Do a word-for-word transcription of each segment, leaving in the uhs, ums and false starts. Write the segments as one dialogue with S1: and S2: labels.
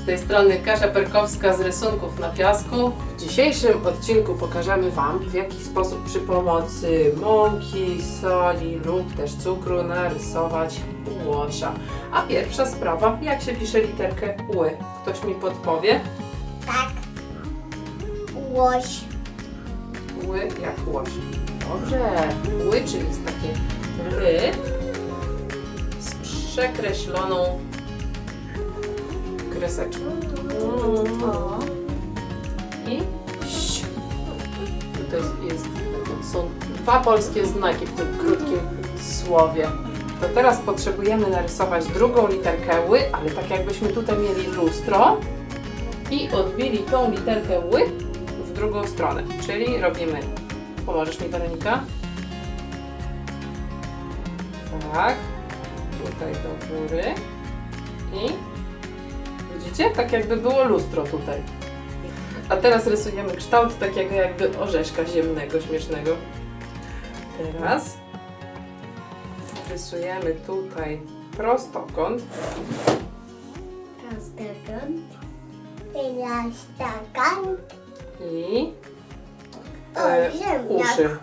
S1: Z tej strony Kasia Perkowska z rysunków na piasku. W dzisiejszym odcinku pokażemy Wam, w jaki sposób przy pomocy mąki, soli lub też cukru narysować łosia. A pierwsza sprawa, jak się pisze literkę ły? Ktoś mi podpowie?
S2: Tak. Łoś.
S1: Ły jak łoś. Dobrze. Ły, czyli jest takie ry z przekreśloną kreseczką.
S2: O.
S1: I ś. To jest, jest, są dwa polskie znaki w tym krótkim słowie. To teraz potrzebujemy narysować drugą literkę ły, ale tak jakbyśmy tutaj mieli lustro i odbili tą literkę ły w drugą stronę. Czyli robimy, pomożesz mi, Weronika? Tak, tutaj do góry i widzicie? Tak jakby było lustro tutaj. A teraz rysujemy kształt takiego jakby orzeszka ziemnego, śmiesznego. Teraz rysujemy tutaj prostokąt.
S2: Prostokąt. Prostokąt.
S1: I
S2: O,
S1: e,
S2: ziemniak.
S1: uszy.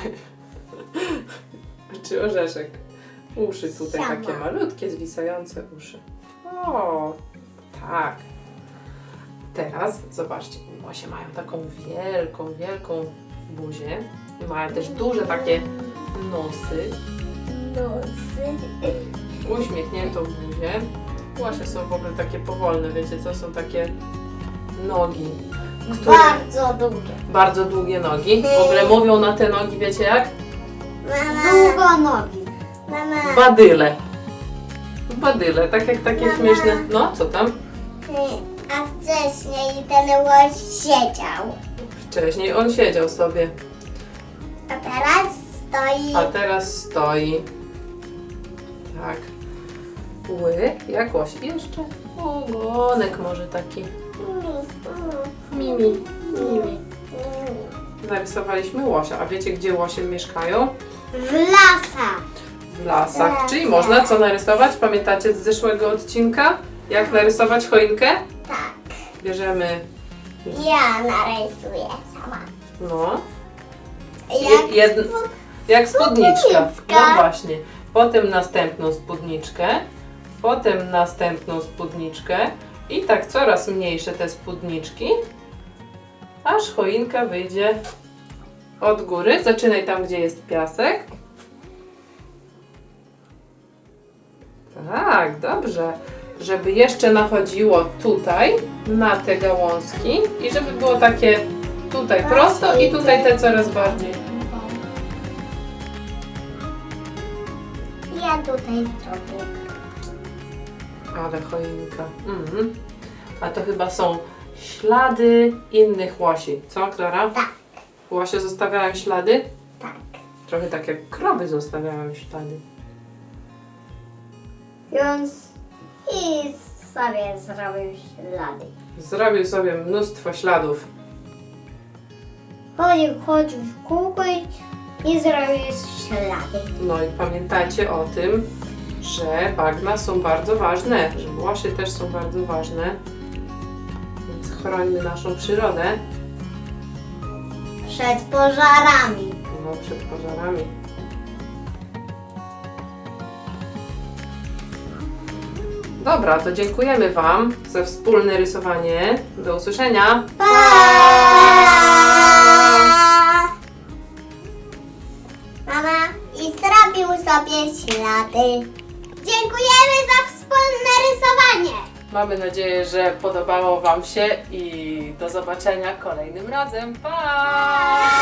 S1: Czy orzeszek? Uszy tutaj
S2: Sama.
S1: takie malutkie, zwisające uszy. O, tak. Teraz zobaczcie, łosie mają taką wielką, wielką buzię. I mają też duże takie nosy.
S2: Nosy.
S1: Uśmiechniętą buzię. Łosie są w ogóle takie powolne, wiecie co? Są takie nogi. Które...
S2: Bardzo długie.
S1: Bardzo długie nogi. W ogóle mówią na te nogi, wiecie jak?
S2: Mama. Długo nogi. Mama.
S1: Badyle. Badyle, tak jak takie
S2: Mama.
S1: śmieszne. No, co tam?
S2: A wcześniej ten łoś siedział.
S1: Wcześniej on siedział sobie,
S2: A teraz stoi.
S1: a teraz stoi. Tak. Ły, jak łoś. I jeszcze ogonek może taki. Mimi, mimi. Narysowaliśmy łosia. A wiecie, gdzie łosie mieszkają?
S2: W lasach.
S1: W lasach.
S2: Lasach.
S1: Czyli można co narysować? Pamiętacie z zeszłego odcinka? Jak narysować choinkę?
S2: Tak.
S1: Bierzemy,
S2: Ja narysuję sama.
S1: no,
S2: Jak
S1: jedn-
S2: spod-
S1: jak spódniczka.
S2: spódniczka.
S1: No właśnie. Potem następną spódniczkę, potem następną spódniczkę i tak coraz mniejsze te spódniczki, aż choinka wyjdzie od góry. Zaczynaj tam, gdzie jest piasek. Tak, dobrze. Żeby jeszcze nachodziło tutaj, na te gałązki i żeby było takie tutaj prosto i tutaj te coraz bardziej.
S2: Ja tutaj zrobię.
S1: Ale choinka. Mhm. A to chyba są ślady innych łosi. Co, Klara?
S2: Tak.
S1: Łosie zostawiają ślady?
S2: Tak.
S1: Trochę tak jak krowy zostawiają ślady.
S2: Więc i sobie zrobił ślady.
S1: Zrobił sobie mnóstwo śladów.
S2: Chodził, chodził w kółko i, i zrobił ślady.
S1: No i pamiętajcie o tym, że bagna są bardzo ważne, że łosie też są bardzo ważne. Więc chrońmy naszą przyrodę.
S2: Przed pożarami.
S1: No, przed pożarami. Dobra, to dziękujemy Wam za wspólne rysowanie. Do usłyszenia.
S2: Pa! Mama i zrobił sobie ślady. Dziękujemy za wspólne rysowanie.
S1: Mamy nadzieję, że podobało Wam się i do zobaczenia kolejnym razem. Pa!